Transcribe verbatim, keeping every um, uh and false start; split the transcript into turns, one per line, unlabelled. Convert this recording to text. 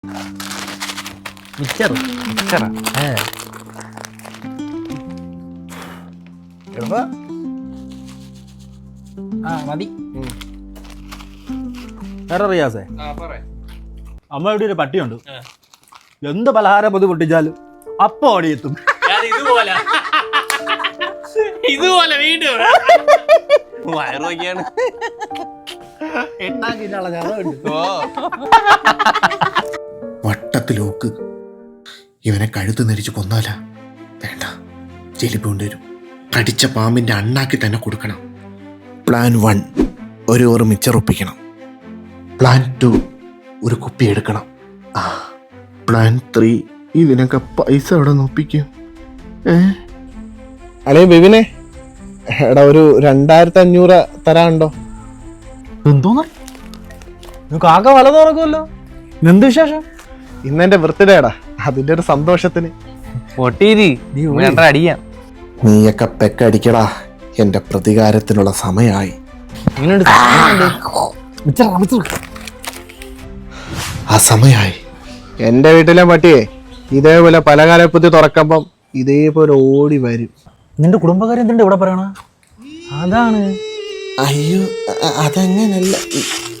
മിച്ചർ മിച്ചറാ ആ മതി.
വേറെ റിയാസേ, അമ്മ ഇവിടെ ഒരു പട്ടിയുണ്ട്. എന്ത് പലഹാരം പൊതു പൊട്ടിച്ചാലും അപ്പൊ ഓടിയെത്തും.
ഇതുപോലെ ഇതുപോലെ വീണ്ടും വയറൊക്കെയാണ്.
വട്ടത്തിലോക്ക് ഇവനെ കഴുത്ത് നെരിച്ച് കൊന്നാല വേണ്ട, ചെലിപ്പ് കൊണ്ടുവരും. കടിച്ച പാമ്പിന്റെ അണ്ണാക്കി തന്നെ കൊടുക്കണം. പ്ലാൻ വൺ, ഒരു ഓറ് മിച്ചർ ഒപ്പിക്കണം. പ്ലാൻ ടു, ഒരു കുപ്പി എടുക്കണം. ആ പ്ലാൻ ത്രീ, ഇതിനൊക്കെ പൈസ എവിടെ നോപ്പിക്കും? ഏ അളേ ബിബിനെ, എടാ ഒരു രണ്ടായിരത്തി അഞ്ഞൂറ് തരാനുണ്ടോ?
എന്തോന്നാ കാക്ക വല തുറക്കുമല്ലോ, എന്ത് വിശേഷം?
ഇന്നെന്റെ ബർത്ത്ഡേ എടാ, അതിന്റെ ഒരു സന്തോഷത്തിന്.
അടിയാം.
നീയൊക്കെ പെക്കടിക്കടാ, എന്റെ പ്രതികാരത്തിനുള്ള സമയമായി. ആ സമയായി. എന്റെ വീട്ടിലെ പട്ടിയെ ഇതേപോലെ പലകാലപ്പത്തി തുറക്കുമ്പം ഇതേപോലെ ഓടി വരും.
നിന്റെ കുടുംബക്കാരെ എന്തിന്റെ ഇവിടെ പറയണ? അതാണ്.
അയ്യോ അതങ്ങനല്ല.